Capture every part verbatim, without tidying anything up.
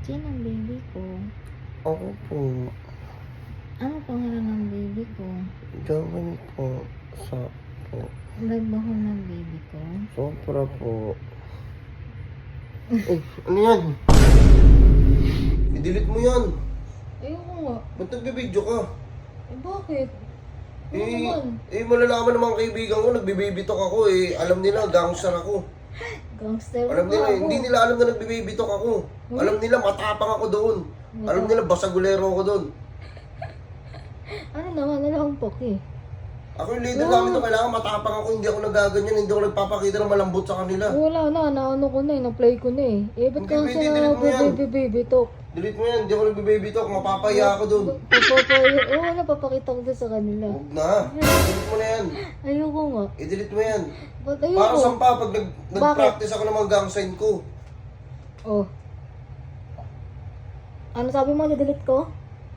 Sino ang baby ko? Ako po. Ano pangalan ng baby ko? Gawin po. Sa po. Nagbahol ng baby ko? Sobra po. Eh, ano yan? I-delete mo yan. Ayoko nga. Ba't nagbibideo ka? Eh bakit? Ano Eh, naman? eh, malalaman ng mga kaibigan ko, nagbibabytalk ako eh. Alam nila, gangster ako. Gangster Alam ka nila, ako. hindi nila alam na nagbibabytalk ako. Hmm? Alam nila, matapang ako doon. Matapang. Alam nila, basagulero ako doon. Ano naman? Wala akong poke. Ako yung leader Ah. namin na kailangan matapang ako, hindi ako nagaganyan, hindi ako nagpapakita ng malambot sa kanila. Wala na, naano ko na eh, na-play ko na eh. Eh, ba't Hindi, ka pwede, sa delete mo yan. baby baby talk? Delete mo yan, hindi ako nagbibabytalk, mapapahiya ako doon. Papapaya, oo, oh, napapakita ko doon sa kanila. Huwag na, delete mo na yan. Ayoko nga. I-delete mo yan. Ba't ayoko? Para saan pa, pag nag, nag-practice ako ng mga gang sign ko. Oh. Ano sabi mo, i-delete ko?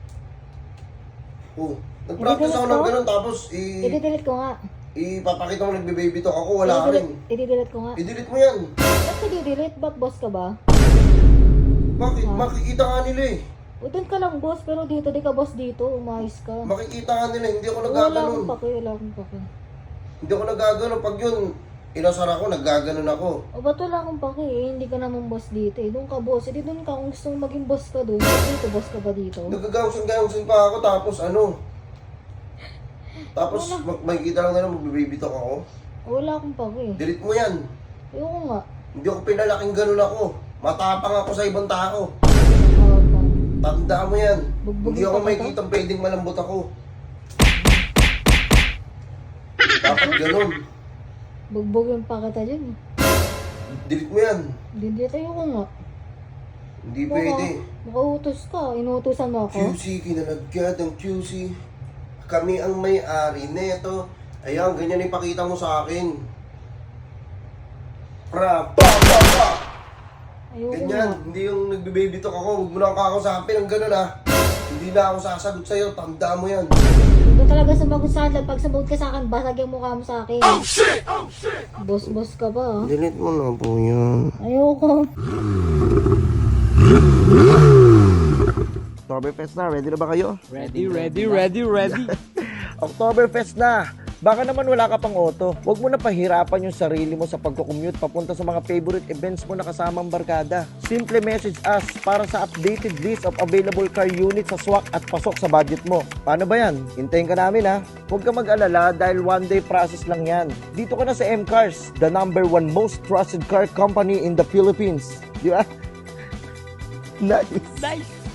Oh, nag-practice ako ng ganun, tapos i... I-delete ko nga. ipapakita mo nagbibabytalk ako, wala ka rin. I-delete ko nga. I-delete mo yan. Ba't i-delete? Ba't boss ka ba? Bakit? Makikita nga nila eh. O doon ka lang boss, pero dito, di ka boss dito. Umayos ka. Makikita nga nila, hindi ako Wala nagaganon. akong pake, wala akong pake. Hindi ako nagaganon. Pag yun, inasar ako, naggaganon ako. O ba't wala akong pake eh? Hindi ka naman boss dito eh. Doon ka boss. Hindi doon ka kung gusto mong maging boss ka doon. Dito, boss ka ba dito? Nagagawsan-gawsan pa ako, tapos ano? Tapos mag- makikita lang nila, magbibabytalk ako. Wala akong pake. Delete mo yan. Ayoko nga. Hindi ako pinalaking ganun ako. Matapang ako sa ibang tao. Nakakapang. Tanda mo yan. Bugbugin Hindi ako pa may kita? kitang pwedeng malambot ako. Dapat ganun. Bugbugin pa kita dyan. Delete mo yan. Delete ayoko nga. Hindi pwede. Makautos ka. Inuutosan mo ako. Q C, kinalagyan ng Q C. Kami ang may-ari neto. Ayan, ganyan ipakita mo sa akin. Pra, pa, pa, pa. Ayoko nga. Ganyan, hindi yung nagbe-baby talk ako. Huwag mo lang kakausapin ng ganun ah. Hindi na ako sasagot sa'yo, tanda mo yan. Hindi ka talaga sumagot sa akin. Pag sumagot ka sa akin, basag yung mukha mo sa akin. Oh shit! Oh shit! Boss-boss ka ba ah? Delete mo na po yan. Ayoko. Oktoberfest na, ready na ba kayo? Ready, ready, ready, ready. Oktoberfest na! Baka naman wala ka pang auto. Huwag mo na pahirapan yung sarili mo sa pagko-commute papunta sa mga favorite events mo na kasamang barkada. Simple message us para sa updated list of available car units sa swak at pasok sa budget mo. Paano ba yan? Hintayin ka namin ha. Huwag ka mag-alala dahil one day process lang yan. Dito ka na sa M-Cars, the number one most trusted car company in the Philippines. Di ba? Nice! Nice.